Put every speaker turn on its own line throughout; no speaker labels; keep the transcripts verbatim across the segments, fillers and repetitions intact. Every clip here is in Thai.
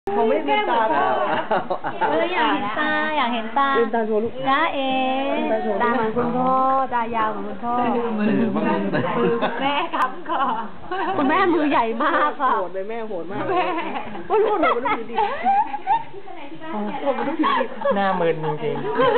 ผมไม่ลืมตาแล้ว
เอออยากเห็นตาอยากเห็นตา
ลืมตาโชว์ลูก
จ้าเอ๋ตาเหมือนคุณพ่อตายาวเหมือนคุณพ่อมือแม่คำคอคุณแม่มือใหญ่มากค่ะ
โหดเลยแม่โหดมากแม่โหดโหดมันต้องผิดดิโหดมันต้องผิดดิ
หน้ามึนจริง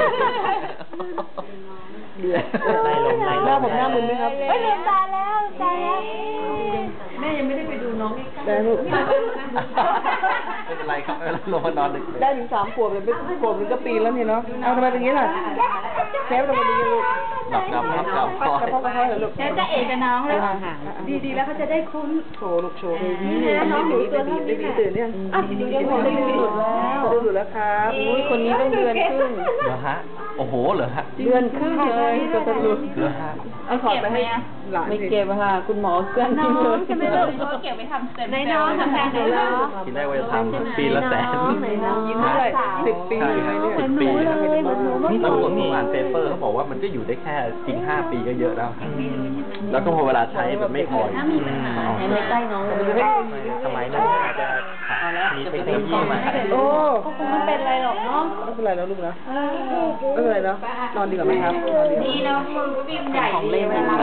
เดือด
ไล่ลมไล่ลม
หน้าผมหน้ามึนไหมครับ
ไม่ลืมตาแล้วตาแล้ว
แม่ยังไม่ได้ไปดูน้องได้ลูก
ไม่เป็นไรครับลงมานอนดึก
ได้ถึงสามขวบเลยเป็นขวบถึงก็ปีแล้วนี่เนาะเอาทำไมเป็นอย่างนี้ล่ะแคปทำไมเป็นอย่างนี้ลูก
หลับหลับหลับหลับ
ปัดกระเพาะกระเพาะเหรอลูก
แล้วจะเอ๋กับน้องเลย
ดีดีแล้วเขาจะได้คุ้นโชว์ลูกโชว์นี่น้องหนูตัวนี้ดีดีตื่นยังอ่ะดีดียังดีดีสุดแล้วสุดแล้วครับอุ้ยคนนี้ต้องเดือนครึ่ง
เหรอฮะโอ้โหเหรอฮะ
เดือนครึ่งเลยตัวตะลุ
เหรอฮะ
เอาขอไปให้หลานไม่เก็บค่ะคุณหมอเกลือน
น้
ทิ้งเล
อง
ย
ใช่ไหมลูกเขาเก็บไปทำเต็มในน้องทำแทนไหนน้อง
ทีแรกว่าจะทำปีละแสน
ไหนน้องยิ้มได้สิบปี
ใช่
ไหม
ครับ
เนี่ย
สิบปี
เหมือนหนูเลย
นี่ตำรวจเมื่อวานเปเปอร์เขาบอกว่ามันก็อยู่ได้แค่จริงห้าปีก็เยอะแล้วครับแล้วก็พอเวลาใช้มันไม่พออีก
ในใกล้น้องเลย
สมัยนั้นอาจจะมีเทคโนโลยีใหม่
โอ้
คงไม่เป็นไรหรอกเนาะ
ไม่เป็นไรแล้วลูกนะไม่เป็นไรแล้วนอนดีกว่าไหมครับนอนดี
ดีเนาะมือฟิล์มใหญ่ดีเวลา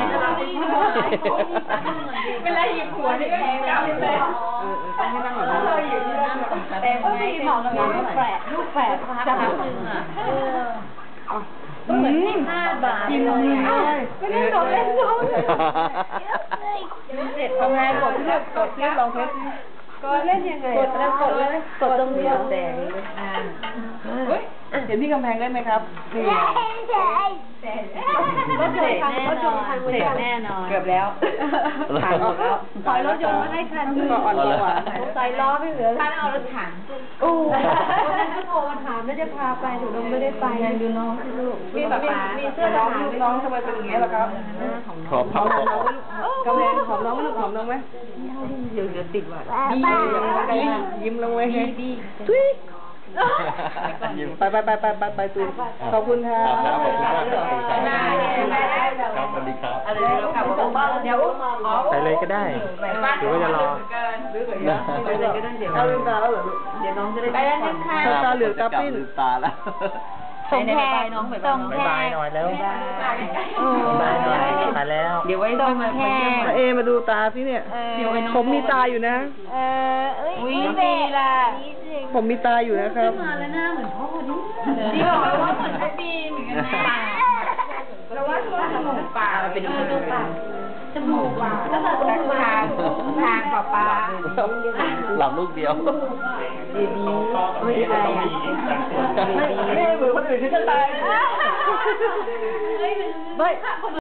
เวลาหยิบหัวนี่ก็แข็งจังเลย
เออต้องให้นั่งหน่อยนะ
แต่ไม่หมอกลูกแฝดลูกแฝดจะหาตึงอ่ะก็เหมือนห้าบาทกินเลยไม่ได้ของเล่นน้องเสร็จ
ทำไงกดเลือกกดเลือกลองเทส
ก็เล่นยังไงกดแล้วกดเลยกดตรงนี้แดงอ่า
เฮ้ยเห็นที่กำแพงได้ไหมครับนี่
รถยนต์พังรถยนต์พังเสร็จแน่นอน
เกือบแล้วผ่านหมดแล้ว
ถอยรถยนต์มาให้คันนึง
ก็อ่อนกว่า
ใส่ล้อไม่เหลือคันเอารถถังโอ้วันนั้นก็โทรมาถามแล้วจะพาไปหนูไม่ได้ไปดูน้องสิลูกมีแบบมีเสื้อ
น้
ท
อง
หาร
น้องทำไมเป็นอย่างนี้ล่ะครับ
ขอพับขอ
กำแพงหอมน้องไหมลูกหอมน้องไหมเดี๋ยวจะติดว่ะดียิ้มลงไว้ให้ทุยไปไปไปไปไปไปตูนขอบคุณค่ะ
ครับขอบคุณมากครับครับสวัสดีครับ
อะไรเราขับรถบ้านเดี๋ยว
ไปเลยก็ได้หรือว่าจะรอ
ไปเลยก็ได้เดี๋ยวเอาลืมตาแล้วเหรอเดี๋ยวน้องจะได้
ไปแล้วนะคะ
ตาเหลือกตาปิ้น
ลืมตาแล้ว
ส่งแทนน้องส่งแท
บาย
น
หน่อยแล้วบายหน่อยไปแล้ว
เดี๋ยวไว้
ส่งแทน
มาเอมาดูตาสิเนี่ยผมมีตาอยู่นะ
เออเอ้ยดีล่ะ
ผมมีตาอยู่นะครับ
มาแล้วหน้าเหมือนพ่อดิดีบอกว่าเหมือนพ่อปีนเหมือนกันนะเราว่าตัวจมูกปากเป็นตัวปากจมูกปากแล้วก็ทางทางปากปาก
หลับลูกเดียว
ดีดีไม่ใช่อ่ะ
ไม่เหมือนคนอื่นที่จะตาย
ไม่